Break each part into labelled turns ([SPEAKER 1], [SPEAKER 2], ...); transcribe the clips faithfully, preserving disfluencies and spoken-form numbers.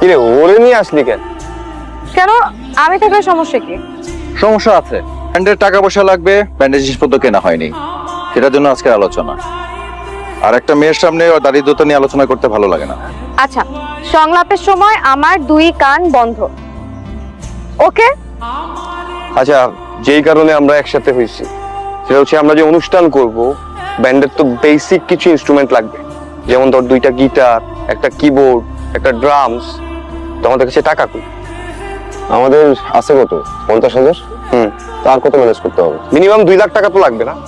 [SPEAKER 1] কিরে ওরে নিয়ে আসলি কেন?
[SPEAKER 2] কেন আমি থাকলে সমস্যা কি?
[SPEAKER 3] সমস্যা আছে, ব্যান্ডের টাকা পয়সা লাগবে, ব্যান্ডের জিনিসপত্র কেনা হয়নি, সেটার জন্য আজকের আলোচনা। আর একটা মেয়ের সামনে দারিদ্রতা নিয়ে আলোচনা করতে ভালো লাগে না।
[SPEAKER 2] আচ্ছা, সংলাপের সময় আমার দুই কান বন্ধ, ওকে?
[SPEAKER 1] আচ্ছা, যেই কারণে আমরা একসাথে হয়েছি সেটা হচ্ছে আমরা যে অনুষ্ঠান করব, ব্যান্ডের তো বেসিক কিছু ইনস্ট্রুমেন্ট লাগবে, যেমন ধর দুইটা গিটার, একটা কিবোর্ড, একটা ড্রামস। তো আমাদের কাছে টাকা কই?
[SPEAKER 4] আমাদের আছে কত? পঞ্চাশ হাজার।
[SPEAKER 1] হুম,
[SPEAKER 4] তার কত ম্যানেজ করতে হবে?
[SPEAKER 1] মিনিমাম দুই লাখ টাকা তো লাগবে না?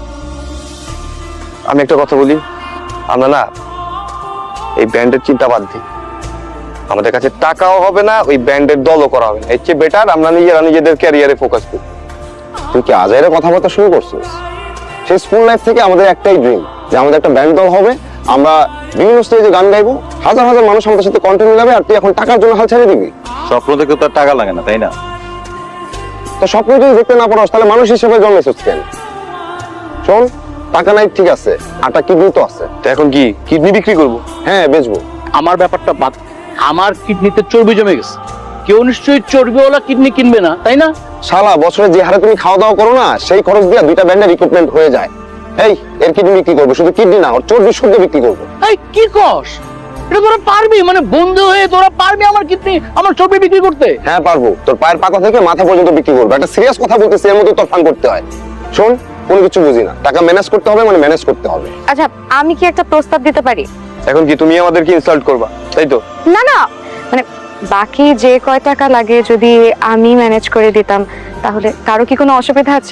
[SPEAKER 1] আমি একটা কথা বলি, আমরা না এই ব্যান্ডের চিন্তা বাদ দিই। আমাদের কাছে টাকাও হবে না, ওই ব্যান্ডের দলও করা হবে না। এর চেয়ে বেটার আমরা নিজেরা নিজেদের ক্যারিয়ারে ফোকাস করি।
[SPEAKER 4] তুই কি আজাইরে কথাবার্তা শুরু করছিস? সেই স্কুল লাইফ থেকে আমাদের একটাই ড্রিম যে আমাদের একটা ব্যান্ড দল হবে, আমরা বিভিন্ন স্টেজে গান গাইবো, হাজার হাজার মানুষ আমাদের সাথে কন্টেন্ট মিলাবে, আর তুই এখন টাকার জন্য হাল ছেড়ে দিবি?
[SPEAKER 3] স্বপ্ন থেকে তো আর টাকা লাগে না, তাই না?
[SPEAKER 4] তো স্বপ্ন যদি দেখতে না পারস তাহলে মানুষ হিসেবে জন্মেছিস কেন? শোন, টাকা নাই ঠিক আছে, আটা কিডনি তো আছে।
[SPEAKER 1] তো এখন কি কিডনি বিক্রি করব?
[SPEAKER 4] হ্যাঁ, বেচবো।
[SPEAKER 5] আমার ব্যাপারটা বাদ, আমার কিডনিতে চর্বি জমে গেছে, কেউ নিশ্চয়ই চর্বিওয়ালা কিডনি কিনবে না, তাই না?
[SPEAKER 4] শালা, বছরে যে হারে তুমি খাওয়া দাওয়া করো না, সেই খরচ দিয়ে দুইটা ব্যান্ডের রিক্রুটমেন্ট হয়ে যায়। এই, এর কিডনি বিক্রি করবো, শুধু কিডনি না, ওর চর্বি শুদ্ধ বিক্রি করবো।
[SPEAKER 5] এই কি কস? এটা তোরা পারবি? মানে বন্ধু হয়ে তোরা পারবি আমার কিডনি, আমার চর্বি বিক্রি করতে?
[SPEAKER 4] হ্যাঁ পারবো, তোর পায়ের পাতা থেকে মাথা পর্যন্ত বিক্রি করবো। একটা সিরিয়াস কথা বলতেছি, এর মধ্যে তোর ফান করতে হয়। শোন, কোনো কিছু বুঝি না, টাকা ম্যানেজ করতে হবে, মানে ম্যানেজ করতে হবে।
[SPEAKER 2] আচ্ছা, আমি কি একটা প্রস্তাব দিতে পারি?
[SPEAKER 1] এখন কি তুমি আমাদেরকে ইনসাল্ট করবা, তাই তো?
[SPEAKER 2] না না, মানে বাকি যে কয় টাকা লাগে যদি আমি ম্যানেজ করে দিতাম, তাহলে কারো কি কোনো অসুবিধা আছে?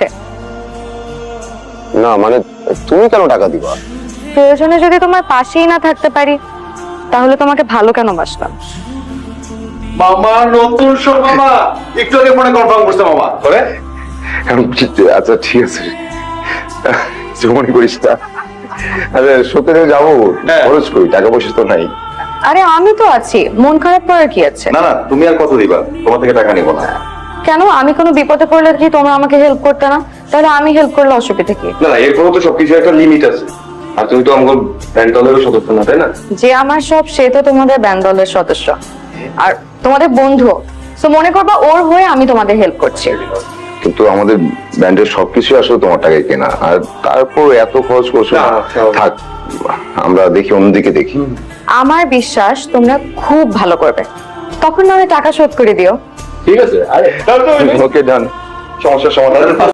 [SPEAKER 4] না মানে, তুমি কেন টাকা দিবা?
[SPEAKER 2] প্রয়োজনে যদি তোমার পাশেই না থাকতে পারি, তাহলে তোমাকে ভালো কেন বাসলাম?
[SPEAKER 3] মামা নতুন সব মামা একটু আগে ফোনে কনফার্ম করছে মামা করে।
[SPEAKER 4] আচ্ছা ঠিক আছে, মনে করিস না। আরে সত্যি যাবো, খরচ করি, টাকা পয়সা তো নাই।
[SPEAKER 2] আরে আমি তো আছি, মন খারাপ করার কি আছে?
[SPEAKER 3] না না, তুমি আর কত দিবা? তোমার থেকে টাকা নিব না।
[SPEAKER 2] কেন? আমি কোনো বিপদে পড়লে কি তোমরা আমাকে হেল্প করতে না? তাহলে আমি হেল্প করলে অসুবিধা কি?
[SPEAKER 1] না না, এরপরও তো সবকিছু একটা লিমিট আছে। আর তুমি তো আমাদের ব্যান্ড দলেরও সদস্য না, তাই না?
[SPEAKER 2] যে আমার সব, সে তো তোমাদের ব্যান্ড দলের সদস্য আর তোমাদের বন্ধু। সো মনে করবা ওর হয়ে আমি তোমাদের হেল্প করছি।
[SPEAKER 4] কিন্তু আমাদের ব্যান্ডের সবকিছু আসলে তোমার টাকায় কেনা, আর তারপর এত খরচ করছো।
[SPEAKER 1] না,
[SPEAKER 4] থাক, আমরা দেখি, অন্যদিকে দেখি।
[SPEAKER 2] আমার বিশ্বাস তোমরা খুব ভালো করবে, তখন না হয় টাকা শোধ করে দিও।
[SPEAKER 1] ঠিক আছে, আরে
[SPEAKER 4] ওকে, ডান।
[SPEAKER 1] সমস্যার সমাধান।